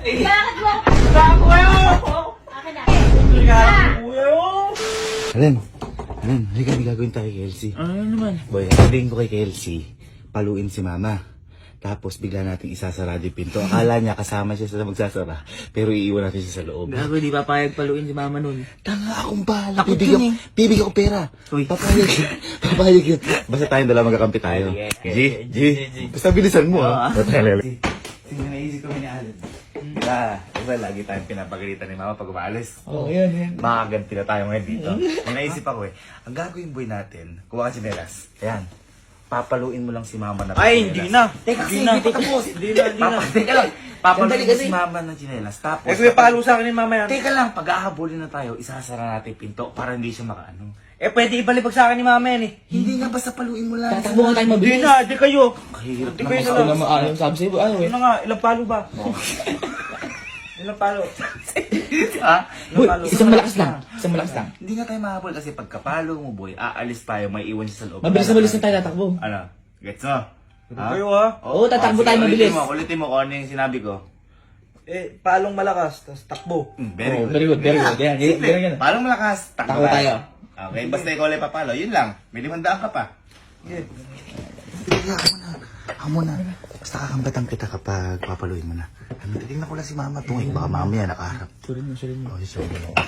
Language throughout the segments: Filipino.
Bakit mo? Gago kayo! Akin na. Kuya mo! Alan, halika, may gagawin tayo kay Elsie. Ano naman? Boy, sabihin ko kay Elsie, paluin si Mama. Tapos bigla nating isasarado yung pinto. Akala niya kasama siya sa magsasara, pero iiwan natin siya sa loob. Gago, di papayag paluin si mama nun. Tanga akong bahala. Takot yun eh. Bibigyan ko pera. Uy. Papayag yun. Basta tayong dalawa magkakampi tayo. G. Basta bilisan mo ha. Sige, naisip kami ni Alan. Diba lagi tayong pinapagalitan ni Mama pag umaalis? Oo, yan. Makaganti na tayo ngayon dito. May naisip ako ang gagawin boy natin, kuha ka sinelas. Ayan. Papaluin mo lang si Mama na Ay, hindi na. Teka, Hindi na. Hindi na. Teka lang. Papaluin Sandali mo kasi. si Mama ng chinelas. Tapos, Eh, kuya, palo sa akin ni mama yan. teka lang, pag-ahabulin na tayo, isasara natin yung pinto para hindi siya makaano. Eh, pwede ibalibag sa akin ni mama yan eh. Hindi nga, basta paluin mo lang. Tatakbo nga tayo Hindi mabilis. na, di kayo. Kahirap Hindi naman kayo sa na Ano naman, sabi sa'yo, ano eh. Ano nga, ilang palo ba? Ilang palo? Ha? Boy, isang malakas lang. Isang malakas lang. Hindi nga tayo mahabol kasi pagkapalo mo, boy, aalis tayo, may iwan siya sa loob. Mabilis na mabilis na tayo tatakbo. Ano? Gets mo? Ano kayo ha? Oo, tatakbo tayo mabilis. Ulitin mo kung ano yung sinabi ko. Eh, palong malakas, tapos takbo. Very Oh, good. very good, very good. Yan, Simple. ganyan. Parang malakas. Takbo tayo. Okay, basta ikaw ulit papalo. Yun lang. May 500 ka pa. Yeah. Sige, ako muna. Basta kakambatan kita kapag papaluin mo na. Tingnan ko lang si Mama. Tungay, baka mamaya nakaharap. Surin mo. Oh, sorry.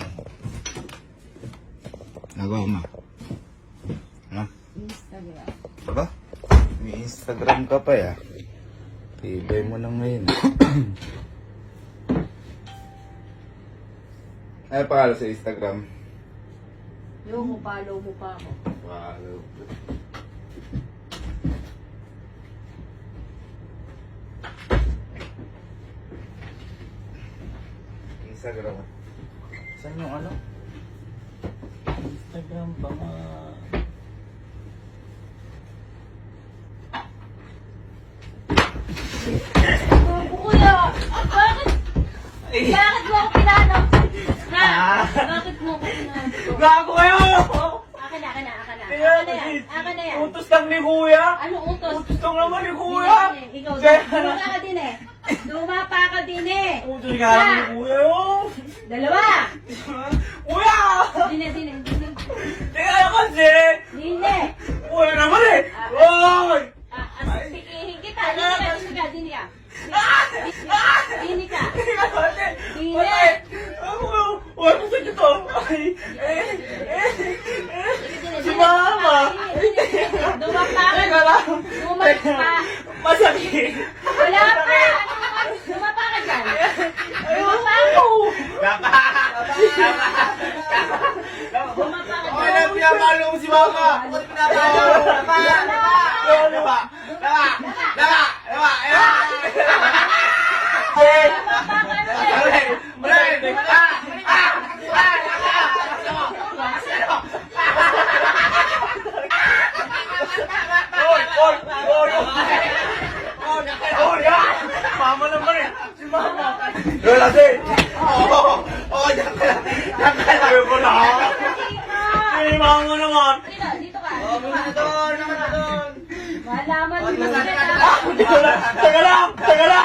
Nagawa ko, Ma. Ano? Instagram. Baba? May Instagram ka pa, ya. Tibay mo lang ngayon. Ano pangalan sa Instagram? Yung follow mo pa ako. Wow. Instagram. Saan yung ano? Instagram ba nga? Kuya! Bakit? Bakit mo ako pinano? Ha? Bakit mo ako pinano? Gago kayo! Akin na. Akin na Ayan, yan. Akin na yan. utos lang ni kuya. Ano utos? Utos lang naman ni kuya. Ikaw, Kaya dumapa ka din eh. Dumapa ka din eh. Utos nga lang ni kuya yun. Dalawa. Kuya! Dine. Teka lang kasi! Dine. Kuya naman eh! Oy! Asikihin kita. Dine ka. Dine ka. Teka kasi! Dine. Patay! Huwag ko sa dito! Ay! Si Mama! Dumapa ka. Teka lang! Dumapa. Masakit! Wala pa. Dumapa ka dyan. Dumapa ka. Dumapa ka Okay dyan. na, pinapalo mo si Mama! Ba't pinapalo? Laba! Mama naman eh! Si Mama! Lola, sir! Oo, diyan ka lang! Diyan ka lang! Ayaw ko na! Si Mama naman! Dito ka. Doon! Malaman mo. Teka lang!